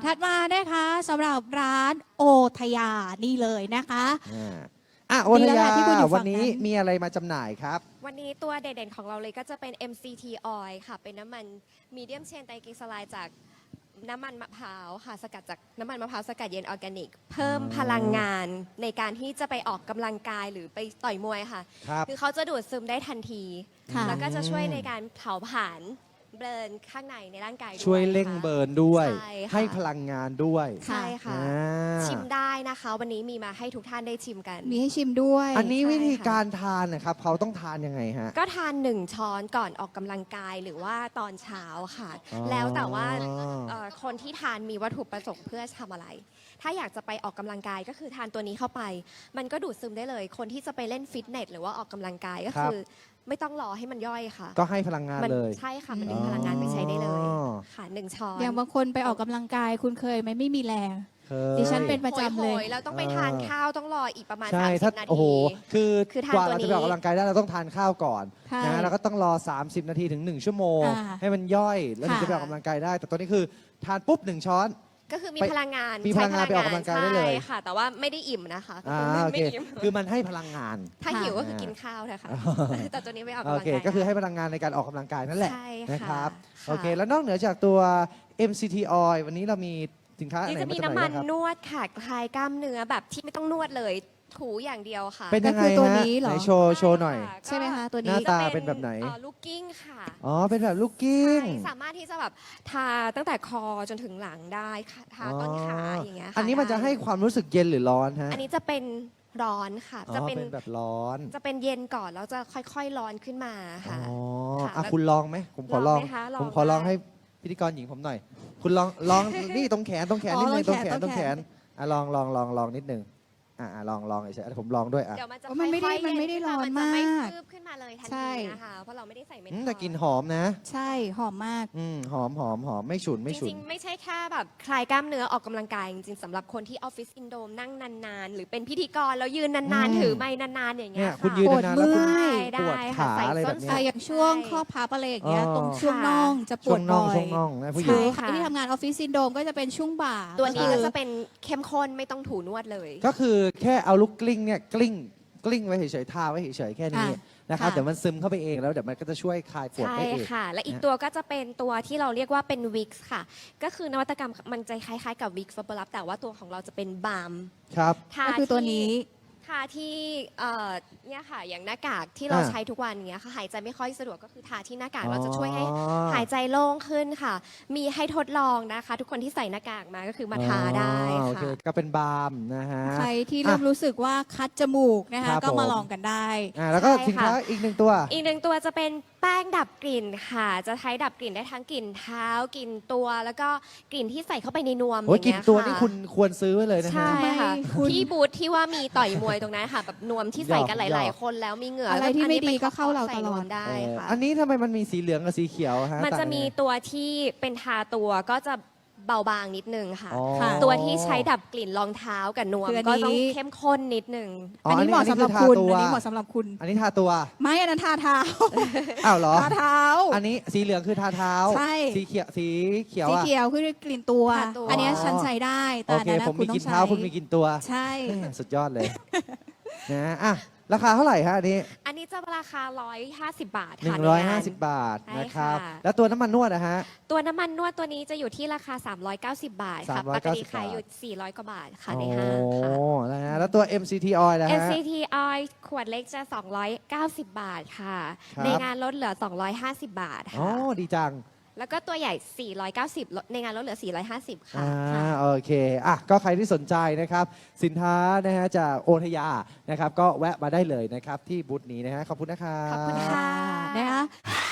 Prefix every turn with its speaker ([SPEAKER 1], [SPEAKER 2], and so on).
[SPEAKER 1] ถัดมานะคะสำหรับร้านโอทยานี่เลยนะคะ
[SPEAKER 2] โอทยา
[SPEAKER 1] ที่คุณอยู่ฝั่
[SPEAKER 2] วัน
[SPEAKER 1] ง
[SPEAKER 2] นี้
[SPEAKER 1] นั้น
[SPEAKER 2] มีอะไรมาจำหน่ายครับ
[SPEAKER 3] วันนี้ตัวเด่นๆของเราเลยก็จะเป็น MCT Oil ค่ะ เป็นน้ำมันมีเดียมเชนไตรกลีเซอไรด์จากน้ำมันมะพร้าวค่ะ สกัดจากน้ำมันมะพร้าวสกัดเย็นออร์แกนิก เพิ่มพลังงานในการที่จะไปออกกำลังกายหรือไปต่อยมวยค่ะ
[SPEAKER 2] ครับ
[SPEAKER 3] คือเขาจะดูดซึมได้ทันที
[SPEAKER 1] ค่ะ
[SPEAKER 3] แล้วก็จะช่วยในการเผาผลาญเบิร์นข้างในร่างกายด้วย
[SPEAKER 2] ช่วยเร่ง
[SPEAKER 3] ค่ะ
[SPEAKER 2] เบิร์นด้วย
[SPEAKER 3] ใช่ค่ะ
[SPEAKER 2] ให้พลังงานด้วย
[SPEAKER 3] ใช่ค่ะ
[SPEAKER 2] อ่า
[SPEAKER 3] ชิมได้นะคะ วันนี้มีมาให้ทุกท่านได้ชิมกัน
[SPEAKER 1] มีให้ชิมด้วย
[SPEAKER 2] อันนี้
[SPEAKER 3] ใช่
[SPEAKER 2] วิธี
[SPEAKER 3] ค่ะ
[SPEAKER 2] การทานนะครับเขาต้องทานยังไงฮะ
[SPEAKER 3] ก็ทาน1 ช้อนก่อนออกกำลังกายหรือว่าตอนเช้าค่ะ
[SPEAKER 2] อ๋อ
[SPEAKER 3] แล้วแต่ว่าคนที่ทานมีวัตถุประสงค์เพื่อทำอะไร ถ้าอยากจะไปออกกำลังกายก็คือทานตัวนี้เข้าไป มันก็ดูดซึมได้เลย คนที่จะไปเล่นฟิตเนสหรือว่าออกกำลังกายก็คือ ไม่ต้องรอให้มันย่อยค่ะ
[SPEAKER 2] ก็ให้พลังงาน
[SPEAKER 3] มั
[SPEAKER 2] เลย
[SPEAKER 3] ใช่ค่ะมันดึงพลังงานไปใช้ได้เลย
[SPEAKER 2] อ๋อ
[SPEAKER 3] ค่ะ1 ช้อน
[SPEAKER 1] อย่างบางคนไปออกกำลังกายคุณเคยไหมไม่มีแรง
[SPEAKER 2] เคย
[SPEAKER 1] ดิฉันเป็นประจำเลย
[SPEAKER 3] โหๆแล้วต้องไปทานข้าวต้องรออีกประมาณ
[SPEAKER 2] ใช่ถ้า
[SPEAKER 3] 30 นา
[SPEAKER 2] โอ้โห
[SPEAKER 3] ที
[SPEAKER 2] คือ
[SPEAKER 3] ทาน
[SPEAKER 2] กว่า
[SPEAKER 3] ตัว
[SPEAKER 2] เรา
[SPEAKER 3] นี้
[SPEAKER 2] จะไปออกกำลังกายได้เราต้องทานข้าวก่อน
[SPEAKER 1] ใช่
[SPEAKER 2] นะแล้วก็ต้องรอ 30 นาทีถึง 1 ชั่วโมง
[SPEAKER 1] อ่า
[SPEAKER 2] ให้มันย่อยแล้วถึง
[SPEAKER 1] ค่ะ
[SPEAKER 2] จะไปออกกำลังกายได้ แต่ตัวนี้คือทานปุ๊บ 1 ช้อน
[SPEAKER 3] ก็คือมี
[SPEAKER 2] ไป
[SPEAKER 3] พลังงาน
[SPEAKER 2] มีพลังงานไปออกกำลังกายได้เลย
[SPEAKER 3] ใช่ค่ะ แต่ว่าไม่ได้อิ่มนะคะก็
[SPEAKER 2] โอ
[SPEAKER 3] ไม่
[SPEAKER 2] เค
[SPEAKER 3] อิ่ม
[SPEAKER 2] คือมันให้พลังงาน
[SPEAKER 3] ถ้าหิวก็คือกินข้าวเถอะค่ะ แต่ตัวนี้ไม่ออกำ
[SPEAKER 2] โอก
[SPEAKER 3] ลัง
[SPEAKER 2] เค
[SPEAKER 3] กาย
[SPEAKER 2] ก็คือให้พลังงานในการออกกำลังกายนั่นแหละ
[SPEAKER 3] ใช่
[SPEAKER 2] นะครับ
[SPEAKER 3] ค่ะ
[SPEAKER 2] โอเค แล้วนอกเหนือจากตัว MCT Oil วันนี้เรามีสินค้าอะไร
[SPEAKER 3] นี่จะ
[SPEAKER 2] มา
[SPEAKER 3] มี
[SPEAKER 2] จำห
[SPEAKER 3] น้ำ
[SPEAKER 2] น่า
[SPEAKER 3] มั
[SPEAKER 2] ย
[SPEAKER 3] น
[SPEAKER 2] บ้างครับ
[SPEAKER 3] นวดค่ะคลายกล้ามเนื้อแบบที่ไม่ต้องนวดเลย ถูอย่างเดียวค่ะ
[SPEAKER 2] เป็นยังไง
[SPEAKER 1] ก็คือตัว
[SPEAKER 2] ฮะ
[SPEAKER 1] นี้เหรอ
[SPEAKER 2] ไหนโชว์หน่อย
[SPEAKER 3] ก็
[SPEAKER 1] ใช่ไหมคะตัว
[SPEAKER 2] ห
[SPEAKER 1] นี้
[SPEAKER 2] น้า
[SPEAKER 3] จะ
[SPEAKER 2] ตาเป็นแบบไหน
[SPEAKER 3] ลูกกิ้งค่ะ
[SPEAKER 2] อ๋อ เป็นแบบลูกกิ้ง
[SPEAKER 3] ใช่สามารถที่จะแบบทาตั้งแต่คอจนถึงหลังได้ค่ะทาต้นขาอย่างเงี้ยค่ะ
[SPEAKER 2] อันนี้มันจะให้ความรู้สึกเย็นหรือร้อนฮะ
[SPEAKER 3] อันนี้จะเป็นร้อนค่ะ
[SPEAKER 2] อ๋อ
[SPEAKER 3] จะเป็น
[SPEAKER 2] แบบร้อน
[SPEAKER 3] จะเป็นเย็นก่อนแล้วจะค่อยๆร้อนขึ้นมา
[SPEAKER 2] อ๋
[SPEAKER 3] ค่ะ
[SPEAKER 2] อ
[SPEAKER 3] ค่ะ
[SPEAKER 2] อ่ะ
[SPEAKER 3] แล้ว
[SPEAKER 2] คุณลองไหมผมขอลอง
[SPEAKER 3] ลองไหมคะลอง
[SPEAKER 2] ผมขอลอง
[SPEAKER 3] ได้
[SPEAKER 2] ให้พิธีกรหญิงผมหน่อย คุณลอง นี่ตรงแขนนิดนึง
[SPEAKER 1] อ๋อ
[SPEAKER 2] ต
[SPEAKER 1] ต
[SPEAKER 2] ร
[SPEAKER 1] รง ง
[SPEAKER 2] แข
[SPEAKER 1] แข
[SPEAKER 2] น
[SPEAKER 1] น
[SPEAKER 2] ตรงแขนอ่ะลองนิดนึงลองเฉยๆผมลองด้วยอ่ะ
[SPEAKER 3] เดี๋ยวมันจะ
[SPEAKER 1] อ๋อมันไม่ได้
[SPEAKER 3] ค่อยๆ
[SPEAKER 1] มันไม่ได้
[SPEAKER 3] เย็ขึ้
[SPEAKER 1] ร้อน
[SPEAKER 3] จะไม่
[SPEAKER 1] มาก
[SPEAKER 3] คืบขึ้นมาเลยทัน
[SPEAKER 1] ใช่
[SPEAKER 3] ทีนะคะเพราะเราไม่ได้ใส่เม็ด
[SPEAKER 2] แต่กลิ่นหอมนะ
[SPEAKER 1] ใช่หอมมาก
[SPEAKER 2] หอมไม่ฉุน
[SPEAKER 3] จ
[SPEAKER 2] ไม่ฉุน
[SPEAKER 3] ริงๆไม่ใช่แค่แบบคลายกล้ามเนื้อออกกำลังกายจริงๆสำหรับคนที่ออฟฟิศซินโดรมนั่งนานๆ หรือเป็นพิธีกรแล้วยืนนานๆถือไม้นานๆอย่างเงี้
[SPEAKER 2] เนี่ย
[SPEAKER 3] ย
[SPEAKER 2] คุณ
[SPEAKER 3] ค่ะ
[SPEAKER 2] ยืนนานๆแล้วคุณ
[SPEAKER 1] ปวดเมื่อย
[SPEAKER 2] ปวด
[SPEAKER 3] ได้
[SPEAKER 2] ขา
[SPEAKER 3] ค่ะใส่
[SPEAKER 2] อะไร
[SPEAKER 3] ส้
[SPEAKER 2] แบ
[SPEAKER 3] น
[SPEAKER 2] บเนี้
[SPEAKER 1] อ่ะ
[SPEAKER 2] ย
[SPEAKER 1] อย่างช่วงข้อพับอะไรอย่างเงี้ย
[SPEAKER 2] อ๋อ
[SPEAKER 1] ตรงช่วงน่องจะป
[SPEAKER 2] ช่
[SPEAKER 1] ว
[SPEAKER 2] ว
[SPEAKER 1] ด
[SPEAKER 2] งน่
[SPEAKER 1] บ่
[SPEAKER 2] อง
[SPEAKER 1] อย
[SPEAKER 2] ช่วงน่องนะผู้หญิ
[SPEAKER 1] ใช่
[SPEAKER 2] ง
[SPEAKER 1] ค่ะ
[SPEAKER 3] ค่ะ
[SPEAKER 1] ที่ทำงานออฟฟิศซินโดรมก็จะเป็นช่วงบ่า
[SPEAKER 3] ตัวนี้
[SPEAKER 1] คื
[SPEAKER 3] ก็
[SPEAKER 1] อ
[SPEAKER 3] จะเป็นเข้มข้นไม่ต้องถูนวดเลย
[SPEAKER 2] ก็คือแค่เอาลูกกลิ้งเนี่ยกลิ้งไว้เฉยๆทาไว้เฉยๆแค่นี้นะครับ
[SPEAKER 1] ค่ะ
[SPEAKER 2] เดี๋ยวมันซึมเข้าไปเองแล้วเดี๋ยวมันก็จะช่วยคลายปวด
[SPEAKER 3] ใช่
[SPEAKER 2] ได้เอง
[SPEAKER 3] ค่ะ และอีกตัวก็จะเป็นตัวที่เราเรียกว่าเป็นวิกซ์ค่ะ ก็คือนวัตกรรมมันจะคล้ายๆกับวิกซ์ฟับเบิลลับแต่ว่าตัวของเราจะเป็นบาล์ม
[SPEAKER 2] ครับ
[SPEAKER 3] ทา
[SPEAKER 1] ก็คือตัวนี้
[SPEAKER 3] ทาที่เนี่ยค่ะอย่างหน้ากากที่เรา
[SPEAKER 2] อ่า
[SPEAKER 3] ใช้ทุกวันเนี้ยค่ะหายใจไม่ค่อยสะดวกก็คือทาที่หน้ากาก
[SPEAKER 2] อ๋อ
[SPEAKER 3] เราจะช่วยให้หายใจโล่งขึ้นค่ะ มีให้ทดลองนะคะ ทุกคนที่ใส่หน้ากากมาก็คือมาทาได้
[SPEAKER 2] โอเค
[SPEAKER 3] ค่ะ
[SPEAKER 2] ก็เป็นบาล์มนะฮะ
[SPEAKER 1] ใครที่เริ่มรู้สึกว่าคัดจมูกนะ
[SPEAKER 2] ครั
[SPEAKER 1] คะ
[SPEAKER 2] บ
[SPEAKER 1] ก็มา
[SPEAKER 2] ผม
[SPEAKER 1] ลองกันได้
[SPEAKER 2] แล้วก็
[SPEAKER 3] ใช่
[SPEAKER 2] สินค้า
[SPEAKER 3] ค่ะ
[SPEAKER 2] อีกหนึ่งตัว
[SPEAKER 3] อีกหนึ่งตัวจะเป็นแป้งดับกลิ่นค่ะ จะใช้ดับกลิ่นได้ทั้งกลิ่นเท้ากลิ่นตัว แล้วก็กลิ่นที่ใส่เข้าไปในนวม
[SPEAKER 2] โอ้ย
[SPEAKER 3] อย่าง
[SPEAKER 2] กลิ่น
[SPEAKER 3] เงี้ย
[SPEAKER 2] ตัว
[SPEAKER 3] ค่ะ
[SPEAKER 2] นี่คุณควรซื้อไว้เลยนะฮะ
[SPEAKER 3] ใช่ค่ะ
[SPEAKER 1] ทำไมคุณ
[SPEAKER 3] ที่บูธที่ว่ามีต่อยมวยตรงนั้นค่ะแบบนวมที่ใส่กันห
[SPEAKER 2] หย
[SPEAKER 3] ลาย
[SPEAKER 2] อก
[SPEAKER 3] ๆ คนแล้วมีเหงื่อ
[SPEAKER 1] อะไร
[SPEAKER 3] แล้ว
[SPEAKER 1] ที่ไม่
[SPEAKER 3] นนี้
[SPEAKER 1] ดี
[SPEAKER 3] ไป
[SPEAKER 1] ก็เข้าเรา
[SPEAKER 3] ใส่
[SPEAKER 1] ตลอด
[SPEAKER 3] นวมได้ค่ะ
[SPEAKER 2] อันนี้ทำไมมันมีสีเหลืองกับสีเขียวฮะ
[SPEAKER 3] มันจะมี
[SPEAKER 2] ต่างกั
[SPEAKER 3] ตัวที่เป็นทาตัวก็จะเบาบางนิดนึงค่ะ
[SPEAKER 2] อ๋อ
[SPEAKER 1] ค่ะ
[SPEAKER 3] ตัวที่ใช้ดับกลิ่นรองเท้ากับนวม
[SPEAKER 1] คืออัน
[SPEAKER 3] ก็
[SPEAKER 1] นี้
[SPEAKER 3] ต้องเข้มข้นนิดนึง
[SPEAKER 1] อันนี้เหมาะสำหรับ
[SPEAKER 2] อ
[SPEAKER 1] คุณ
[SPEAKER 2] ทาตัว
[SPEAKER 1] อันนี้เหมาะสำหรับคุณ
[SPEAKER 2] อันนี้ทาตัว
[SPEAKER 1] ไม่อันนั้นทาเท้า
[SPEAKER 2] อ้าวเหรอ
[SPEAKER 1] ทาเท้า
[SPEAKER 2] อันนี้สีเหลืองคือทาเท้า
[SPEAKER 1] ใช่
[SPEAKER 2] สีเขียวสีเขียว
[SPEAKER 1] สี
[SPEAKER 2] อ่ะ
[SPEAKER 1] เขียวคือกลิ่นตัว
[SPEAKER 3] ทาตัว
[SPEAKER 1] อันเนี้ยฉันใช้ได้แต่
[SPEAKER 2] โอ
[SPEAKER 1] อัน
[SPEAKER 2] เค
[SPEAKER 1] นั้นนะ
[SPEAKER 2] ผม
[SPEAKER 1] คุ
[SPEAKER 2] มี
[SPEAKER 1] ณต้
[SPEAKER 2] กิ
[SPEAKER 1] อน งใช้
[SPEAKER 2] เท้าคุณมีกินตัว
[SPEAKER 1] ใช่
[SPEAKER 2] สุดยอดเลย นะอ่ะราคาเท่าไหร่ฮะอันนี้
[SPEAKER 3] อันนี้จะราคา 150 บาทค่ะในงาน
[SPEAKER 2] 150 บาท
[SPEAKER 3] ใช่
[SPEAKER 2] นะครับ
[SPEAKER 3] ค่ะ
[SPEAKER 2] แล้วตัวน้ำมันนวดนะฮะ
[SPEAKER 3] ตัวน้ำมันนวดตัวนี้จะอยู่ที่ราคา 390 บาทค่ะ
[SPEAKER 2] 390
[SPEAKER 3] ปกติขายอยู่ 400 กว่าบาทค่ะในห้าง
[SPEAKER 2] โอ้
[SPEAKER 3] ค่ะ
[SPEAKER 2] นะฮะแล้วตัว MCT Oil นะฮะ
[SPEAKER 3] NCT Oil ขวดเล็กจะ 290 บาทค่ะ
[SPEAKER 2] ครับ
[SPEAKER 3] ในงานลดเหลือ 250 บาท
[SPEAKER 2] อ๋อ
[SPEAKER 3] ค่ะ
[SPEAKER 2] ดีจัง
[SPEAKER 3] แล้วก็ตัวใหญ่ 490ลดในงานลดเหลือ 450 ค่ะ
[SPEAKER 2] โอเคอ่ะก็ใครที่สนใจนะครับ สินค้านะฮะจากโอทยานะครับ ก็แวะมาได้เลยนะครับ ที่บูธนี้นะฮะขอบคุณนะครับ
[SPEAKER 3] ขอบคุณค่ะ
[SPEAKER 1] นะคะ